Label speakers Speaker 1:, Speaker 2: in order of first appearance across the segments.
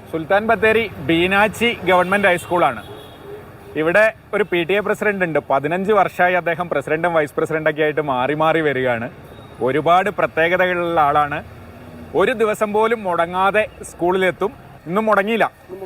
Speaker 1: സുൽത്താൻ Bathery Beenachi government ഹൈസ്കൂളാണ്. ഇവിടെ ഒരു PTA പ്രസിഡന്റ് ഉണ്ട്. 15 വർഷമായി അദ്ദേഹം പ്രസിഡന്റും വൈസ് പ്രസിഡന്റൊക്കെ ആയിട്ട് മാറി മാറി വരികയാണ്. ഒരുപാട് പ്രത്യേകതകളുള്ള ആളാണ്. ഒരു ദിവസം പോലും മുടങ്ങാതെ സ്കൂളിലെത്തും. ഇന്നും മുടങ്ങിയില്ല.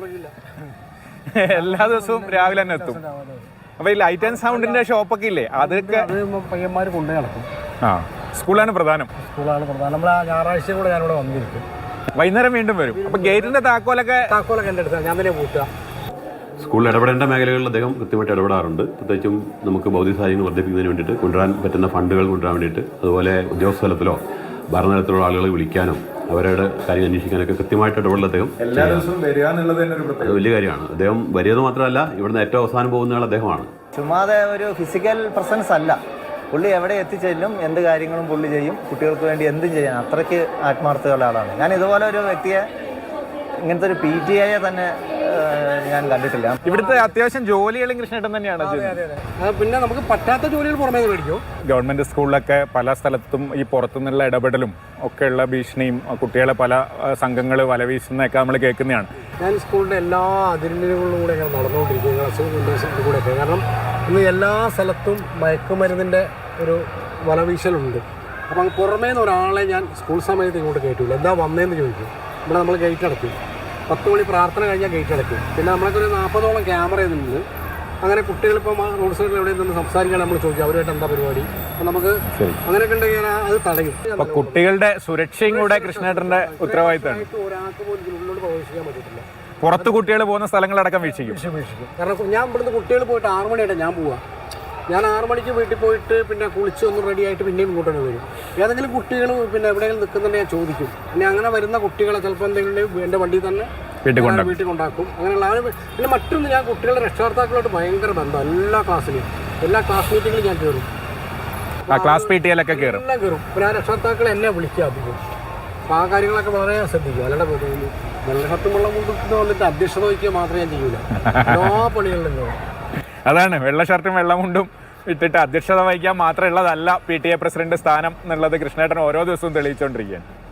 Speaker 1: എല്ലാ ദിവസവും രാവിലെ തന്നെ എത്തും. അപ്പോൾ ഈ ലൈറ്റ് ആൻഡ് സൗണ്ടിന്റെ ഷോപ്പൊക്കെ ഇല്ലേ, അതൊക്കെ
Speaker 2: പയ്യന്മാർ കൊണ്ടു നടക്കും.
Speaker 1: സ്കൂളാണ് പ്രധാനം.
Speaker 2: നമ്മൾ ഞായറാഴ്ച കൂടെ ഞാനിവിടെ വന്നിരിക്കും.
Speaker 1: വൈകുന്നേരം വീണ്ടും വരും. അപ്പൊ ഗേറ്റിന്റെ താക്കോലൊക്കെ
Speaker 2: എൻ്റെ അടുത്ത് ഞാൻ തന്നെ പൂട്ടുക.
Speaker 3: സ്കൂളിൽ ഇടപെടേണ്ട മേഖലകളിൽ അദ്ദേഹം കൃത്യമായിട്ട് ഇടപെടാറുണ്ട്. പ്രത്യേകിച്ചും നമുക്ക് ഭൗതിക സാഹചര്യങ്ങൾ വർദ്ധിപ്പിക്കുന്നതിന് വേണ്ടിയിട്ട് കൊണ്ടുവരാൻ പറ്റുന്ന ഫണ്ടുകൾ കൊണ്ടുവരാൻ വേണ്ടിയിട്ട്, അതുപോലെ ഉദ്യോഗസ്ഥ തലത്തിലോ ഭരണതലത്തിലുള്ള ആളുകളെ വിളിക്കാനും അവരുടെ കാര്യം അന്വേഷിക്കാനൊക്കെ കൃത്യമായിട്ട് ഇടപെടൽ അദ്ദേഹം
Speaker 1: എല്ലാ ദിവസവും വരിക എന്നുള്ളത് തന്നെ
Speaker 3: അത് വലിയ കാര്യമാണ്. അദ്ദേഹം വരികയെന്ന് മാത്രമല്ല, ഇവിടുന്ന് ഏറ്റവും അവസാനം പോകുന്ന അദ്ദേഹമാണ്.
Speaker 4: ചുമ്മാതെ ഒരു ഫിസിക്കൽ പ്രസൻസ് അല്ല, പുള്ളി എവിടെ എത്തിച്ചെല്ലും, എന്ത് കാര്യങ്ങളും പുള്ളി ചെയ്യും. കുട്ടികൾക്ക് വേണ്ടി എന്തും ചെയ്യാൻ അത്രയ്ക്ക് ആത്മാർത്ഥതയുള്ള ആളാണ്. ഞാൻ ഇതുപോലെ ഒരു വ്യക്തിയെ, ഇങ്ങനത്തെ ഒരു PTA തന്നെ ഞാൻ കണ്ടിട്ടില്ല.
Speaker 1: ഇവിടുത്തെ അത്യാവശ്യം ജോലികളും കൃഷ്ണേട്ടൻ തന്നെയാണ്.
Speaker 2: പിന്നെ നമുക്ക് പറ്റാത്ത ജോലികൾ പുറമേ മേടിക്കും.
Speaker 1: ഗവൺമെന്റ് സ്കൂളിലൊക്കെ പല സ്ഥലത്തും ഈ പുറത്തുനിന്നുള്ള ഇടപെടലും ഒക്കെയുള്ള ഭീഷണിയും, കുട്ടികളെ പല സംഘങ്ങൾ വലവീശുന്നതൊക്കെ നമ്മൾ കേൾക്കുന്നതാണ്.
Speaker 2: ഞാൻ സ്കൂളിൻ്റെ എല്ലാ അതിരുകളിലും കൂടെ ഞാൻ നടന്നുകൊണ്ടിരിക്കുകയും കൂടെയൊക്കെ, കാരണം ഇന്ന് എല്ലാ സ്ഥലത്തും മയക്കുമരുന്നിൻ്റെ ഒരു വലവീശലുണ്ട്. അപ്പം അങ്ങ് പുറമേ നിന്ന് ഒരാളെ ഞാൻ സ്കൂൾ സമയത്ത് ഇങ്ങോട്ട് കയറ്റില്ല. എന്താ വന്നതെന്ന് ചോദിക്കും. ഇവിടെ നമ്മൾ ഗേറ്റ് അടയ്ക്കും. 10 മണി പ്രാർത്ഥന കഴിഞ്ഞാൽ ഗേറ്റ് അടയ്ക്കും. പിന്നെ നമ്മളൊക്കെ ഒരു 40ഓളം ക്യാമറ ചെയ്യുന്നുണ്ട്. അങ്ങനെ കുട്ടികളിപ്പം റോഡ് സൈഡിൽ എവിടെ നിന്ന് സംസാരിക്കാൻ നമ്മൾ ചോദിക്കും, അവരുമായിട്ട് എന്താ പരിപാടി. അപ്പം നമുക്ക് അങ്ങനെയൊക്കെ ഉണ്ടെങ്കിൽ അത് തടയും.
Speaker 1: അപ്പൊ കുട്ടികളുടെ സുരക്ഷയും കൂടെ കൃഷ്ണേട്ടന്റെ ഉത്തരവാദിത്തമാണ്.
Speaker 2: ഒരാൾക്ക് പോലും ഉള്ളിലോട്ട് പ്രവേശിക്കാൻ പറ്റത്തില്ല.
Speaker 1: പുറത്ത് കുട്ടികൾ പോകുന്ന സ്ഥലങ്ങളടക്കം വീക്ഷിക്കും.
Speaker 2: കാരണം ഞാൻ ഇവിടുന്ന് കുട്ടികൾ പോയിട്ട് 6 മണിയായിട്ട് ഞാൻ പോവാം. ഞാൻ 6 മണിക്ക് വീട്ടിൽ പോയിട്ട് പിന്നെ കുളിച്ച് ഒന്ന് റെഡി ആയിട്ട് പിന്നെയും ഇങ്ങോട്ട് തന്നെ വരും. ഏതെങ്കിലും കുട്ടികൾ പിന്നെ എവിടെയെങ്കിലും നിൽക്കുന്നുണ്ടെങ്കിൽ ഞാൻ ചോദിക്കും. പിന്നെ അങ്ങനെ വരുന്ന കുട്ടികളെ ചിലപ്പോൾ എന്തെങ്കിലും എൻ്റെ വണ്ടിയിൽ തന്നെ വീട്ടിൽ കൊണ്ടാക്കും. അങ്ങനെയുള്ള പിന്നെ മറ്റൊന്ന്, ഞാൻ കുട്ടികളുടെ രക്ഷകർത്താക്കളോട്ട് ഭയങ്കര ബന്ധം. എല്ലാ ക്ലാസ്സിലും എല്ലാ ക്ലാസ് മീറ്റിങ്ങിലും ഞാൻ കയറും.
Speaker 1: ക്ലാസ് PTA-ലൊക്കെ കയറും.
Speaker 2: എല്ലാം കയറും. പിന്നെ ആ രക്ഷകർത്താക്കൾ എന്നെ വിളിക്കുക അധികം. അപ്പോൾ ആ കാര്യങ്ങളൊക്കെ വളരെ ശ്രദ്ധിക്കും. അല്ലാണ്ട് വെള്ളഷർട്ടും വെള്ളം കൊണ്ടിട്ട് വന്നിട്ട് അധ്യക്ഷത വഹിക്കുക മാത്രമേ ഞാൻ ചെയ്യൂല. എല്ലാ പണികളിലും കയറും.
Speaker 1: അതാണ്, വെള്ള ഷർട്ടും വെള്ളമുണ്ടും ഇട്ടിട്ട് അധ്യക്ഷത വഹിക്കാൻ മാത്രമുള്ളതല്ല PTA പ്രസിഡന്റ് സ്ഥാനം എന്നുള്ളത് കൃഷ്ണേട്ടൻ ഓരോ ദിവസവും തെളിയിച്ചുകൊണ്ടിരിക്കുകയാണ്.